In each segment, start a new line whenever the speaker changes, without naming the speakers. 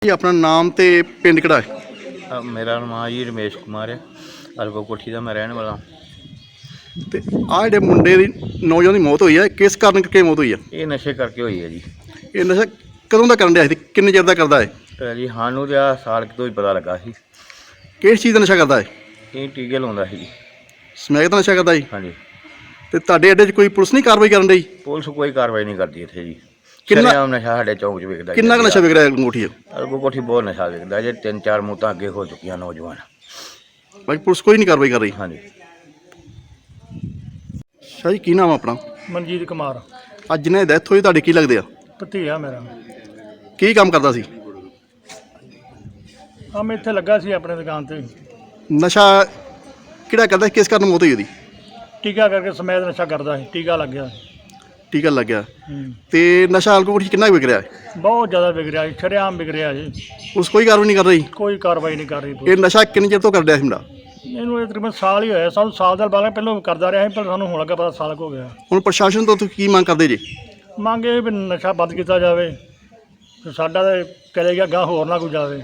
ਜੀ ਆਪਣਾ ਨਾਮ ਤੇ ਪਿੰਡ ਕਿਹੜਾ ਹੈ?
ਮੇਰਾ ਨਾਮ ਜੀ ਰਮੇਸ਼ ਕੁਮਾਰ ਹੈ। ਅਲਗੋ ਕੋਠੀ ਦਾ ਮੈਂ ਰਹਿਣ ਵਾਲਾ।
ਤੇ ਆਹ ਜਿਹੜੇ ਮੁੰਡੇ ਦੀ ਨੌਜਵਾਨ ਦੀ ਮੌਤ ਹੋਈ ਹੈ, ਕਿਸ ਕਾਰਨ ਕਰਕੇ ਮੌਤ ਹੋਈ ਹੈ?
ਇਹ ਨਸ਼ੇ ਕਰਕੇ ਹੋਈ ਹੈ ਜੀ।
ਇਹ ਨਸ਼ਾ ਕਦੋਂ ਦਾ ਕਰਨ ਡਿਆ ਸੀ, ਕਿੰਨੇ ਚਿਰ ਦਾ ਕਰਦਾ ਹੈ?
ਜੀ ਸਾਨੂੰ ਤਾਂ ਆਹ ਸਾਲ ਕੁ ਤੋਂ ਹੀ ਪਤਾ ਲੱਗਾ ਸੀ।
ਕਿਸ ਚੀਜ਼ ਦਾ ਨਸ਼ਾ ਕਰਦਾ ਹੈ?
ਇਹ ਟੀਕੇ ਲਾਉਂਦਾ ਸੀ ਜੀ।
ਸਮੈਕ ਦਾ ਨਸ਼ਾ ਕਰਦਾ ਜੀ?
ਹਾਂਜੀ।
ਤੇ ਤੁਹਾਡੇ ਅੱਡੇ 'ਚ ਕੋਈ ਪੁਲਿਸ ਨਹੀਂ ਕਾਰਵਾਈ ਕਰਨ ਡਈ?
ਪੁਲਿਸ ਕੋਈ ਕਾਰਵਾਈ ਨਹੀਂ ਕਰਦੀ ਇੱਥੇ ਜੀ।
ਕਿੰਨਾ
ਨਸ਼ਾ ਸਾਡੇ ਚੌਂਕ 'ਚ ਵਿਕਦਾ।
ਕਿੰਨਾ ਕੁ ਨਸ਼ਾ ਵਿਕ ਰਿਹਾ ਅੰਗੂਠੀ 'ਚ?
ਅਲਗੋ ਕੋਠੀ ਬਹੁਤ ਨਸ਼ਾ ਵਿਕਦਾ ਜੇ। 3-4 ਮੌਤਾਂ ਅੱਗੇ ਹੋ ਚੁੱਕੀਆਂ ਨੌਜਵਾਨ।
ਬਾਕੀ ਪੁਲਿਸ ਕੋਈ ਨਹੀਂ ਕਾਰਵਾਈ ਕਰ ਰਹੀ?
ਹਾਂਜੀ।
ਸ਼ਾਹ ਜੀ ਕੀ ਨਾਮ ਆਪਣਾ?
ਮਨਜੀਤ ਕੁਮਾਰ।
ਅੱਜ ਜਿਹਨੇ ਡੈਥ ਹੋਈ ਤੁਹਾਡੇ ਕੀ ਲੱਗਦੇ ਆ?
ਭਤੀਆ ਮੇਰਾ।
ਕੀ ਕੰਮ ਕਰਦਾ ਸੀ?
ਮੈਂ ਇੱਥੇ ਲੱਗਾ ਸੀ ਆਪਣੇ ਦੁਕਾਨ ਤੇ।
ਨਸ਼ਾ ਕਿਹੜਾ ਕਰਦਾ, ਕਿਸ ਕਾਰਨ ਮੌਤ ਹੋਈ ਉਹਦੀ?
ਟੀਕਾ ਕਰਕੇ ਸਮੈਦ ਨਸ਼ਾ ਕਰਦਾ ਸੀ, ਟੀਕਾ ਲੱਗ ਗਿਆ।
ਟੀਕਾ ਲੱਗਿਆ। ਤੇ ਨਸ਼ਾ ਅੰਗੂਠੀ 'ਚ ਕਿੰਨਾ ਕੁ ਵਿਕ ਰਿਹਾ ਹੈ?
ਬਹੁਤ ਜ਼ਿਆਦਾ ਵਿਕ ਰਿਹਾ ਜੀ, ਸ਼ਰੇਆਮ ਵਿਕ ਰਿਹਾ ਜੀ।
ਪੁਲਿਸ ਕੋਈ ਕਾਰਵਾਈ ਨਹੀਂ ਕਰ ਰਹੀ?
ਕੋਈ ਕਾਰਵਾਈ ਨਹੀਂ ਕਰ ਰਹੀ
ਇਹ
ਪੁਲਿਸ।
ਨਸ਼ਾ ਕਿੰਨੇ ਚਿਰ ਤੋਂ ਕਰ ਰਿਹਾ ਸੀ ਮੁੰਡਾ?
ਇਹਨੂੰ ਇਹ ਤਕਰੀਬਨ ਸਾਲ ਹੀ ਹੋਇਆ। ਸਾਨੂੰ ਸਾਲ ਦਾ ਬਾਅਦ ਪਹਿਲਾਂ ਕਰਦਾ ਰਿਹਾ ਸੀ, ਪਰ ਸਾਨੂੰ ਹੁਣ ਲੱਗਾ ਪਤਾ ਸਾਲ ਕੁ ਹੋ ਗਿਆ।
ਹੁਣ ਪ੍ਰਸ਼ਾਸਨ ਤੋਂ ਤੁਸੀਂ ਕੀ ਮੰਗ ਕਰਦੇ ਜੀ?
ਮੰਗ ਇਹ ਵੀ ਨਸ਼ਾ ਬੰਦ ਕੀਤਾ ਜਾਵੇ ਤੇ ਸਾਡਾ ਤਾਂ ਚਲੇ ਗਿਆ ਗਾਂ, ਹੋਰ ਨਾ ਕੋਈ ਜਾਵੇ।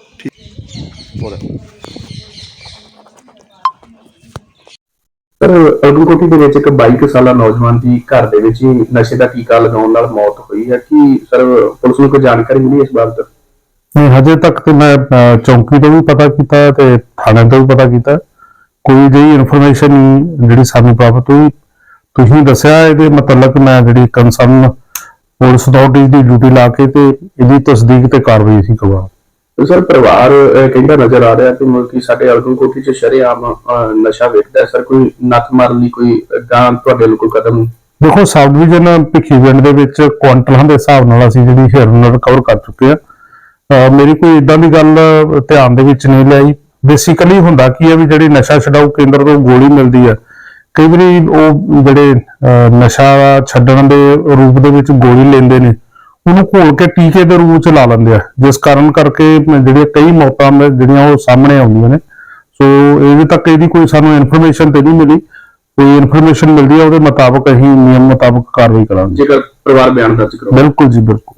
ਸਰ ਅਲਗੋਕੋਟੀ ਦੇ ਵਿੱਚ ਇੱਕ 22 ਸਾਲਾ ਨੌਜਵਾਨ ਦੀ ਘਰ ਦੇ ਵਿੱਚ ਹੀ ਨਸ਼ੇ ਦਾ ਟੀਕਾ ਲਗਾਉਣ ਨਾਲ ਮੌਤ ਹੋਈ ਹੈ। ਕੀ ਸਰ ਪੁਲਿਸ ਨੂੰ ਕੋਈ ਜਾਣਕਾਰੀ ਮਿਲੀ ਇਸ ਬਾਬਤ?
ਨਹੀਂ, ਹਜੇ ਤੱਕ ਤੇ ਮੈਂ ਚੌਂਕੀ ਤੋਂ ਵੀ ਪਤਾ ਕੀਤਾ ਤੇ ਥਾਣੇ ਤੋਂ ਵੀ ਪਤਾ ਕੀਤਾ, ਕੋਈ ਜਿਹੀ ਇਨਫੋਰਮੇਸ਼ਨ ਜਿਹੜੀ ਸਾਨੂੰ ਪ੍ਰਾਪਤ ਹੋਈ। ਤੁਸੀਂ ਦੱਸਿਆ ਇਹਦੇ ਮੁਤਲਕ ਮੈਂ ਜਿਹੜੀ ਕੰਸਰਨ ਪੁਲਿਸ ਅਥਾਰਟੀ ਦੀ ਡਿਊਟੀ ਲਾ ਕੇ ਤੇ ਇਹਦੀ ਤਸਦੀਕ ਤੇ ਕਾਰਵਾਈ ਅਸੀਂ ਕਰਵਾ।
ਸਰ ਪਰਿਵਾਰ ਕਹਿੰਦਾ ਨਜ਼ਰ ਆ ਰਿਹਾ ਕਿ ਮੁਲਕੀ ਸਾਡੇ ਅਲਗੋਕੋਟੀ 'ਚ ਸ਼ਰੇਆਮ ਨਸ਼ਾ ਵੇਚਦਾ ਹੈ। ਸਰ ਕੋਈ ਨੱਥ ਮਾਰਨ ਲਈ ਕੋਈ ਗਾਂ ਤੁਹਾਡੇ ਲਈ ਕੋਈ ਕਦਮ?
ਦੇਖੋ, ਸਬ ਡਿਵੀਜ਼ਨ ਭਿੱਖੀਵਿੰਡ ਦੇ ਵਿੱਚ ਕੁਆਂਟਲਾਂ ਦੇ ਹਿਸਾਬ ਨਾਲ ਅਸੀਂ ਜਿਹੜੀ ਹਿਰਨ ਰਿਕਵਰ ਕਰ ਚੁੱਕੇ ਆ। ਮੇਰੀ ਕੋਈ ਇਦਾਂ ਦੀ ਗੱਲ ਧਿਆਨ ਦੇ ਵਿੱਚ ਨਹੀਂ ਲਿਆਈ। ਬੇਸਿਕਲੀ ਹੁੰਦਾ ਕੀ ਹੈ ਵੀ ਜਿਹੜੀ ਨਸ਼ਾ ਛਡਾਊ ਕੇਂਦਰ ਤੋਂ ਗੋਲੀ ਮਿਲਦੀ ਹੈ, ਕਈ ਵਾਰੀ ਉਹ ਜਿਹੜੇ ਨਸ਼ਾ ਛੱਡਣ ਦੇ ਰੂਪ ਦੇ ਵਿੱਚ ਗੋਲੀ ਲੈਂਦੇ ਨੇ, ਉਹਨੂੰ ਘੋਲ ਕੇ ਟੀਕੇ ਦੇ ਰੂਪ ਚ ਲਾ ਲੈਂਦੇ ਆ, ਜਿਸ ਕਾਰਨ ਕਰਕੇ ਜਿਹੜੀਆਂ ਕਈ ਮੌਤਾਂ ਜਿਹੜੀਆਂ ਉਹ ਸਾਹਮਣੇ ਆਉਂਦੀਆਂ ਨੇ। ਸੋ ਇਹਦੇ ਤੱਕ ਇਹਦੀ ਕੋਈ ਸਾਨੂੰ ਇਨਫੋਰਮੇਸ਼ਨ ਤੇ ਨਹੀਂ ਮਿਲੀ। ਕੋਈ ਇਨਫੋਰਮੇਸ਼ਨ ਮਿਲਦੀ ਹੈ ਉਹਦੇ ਮੁਤਾਬਕ ਅਸੀਂ ਨਿਯਮ ਮੁਤਾਬਕ ਕਾਰਵਾਈ ਕਰਾਂਗੇ।
ਜੇਕਰ ਪਰਿਵਾਰ ਬਿਆਨ ਦਰਜ ਕਰੋ।
ਬਿਲਕੁਲ ਜੀ, ਬਿਲਕੁਲ।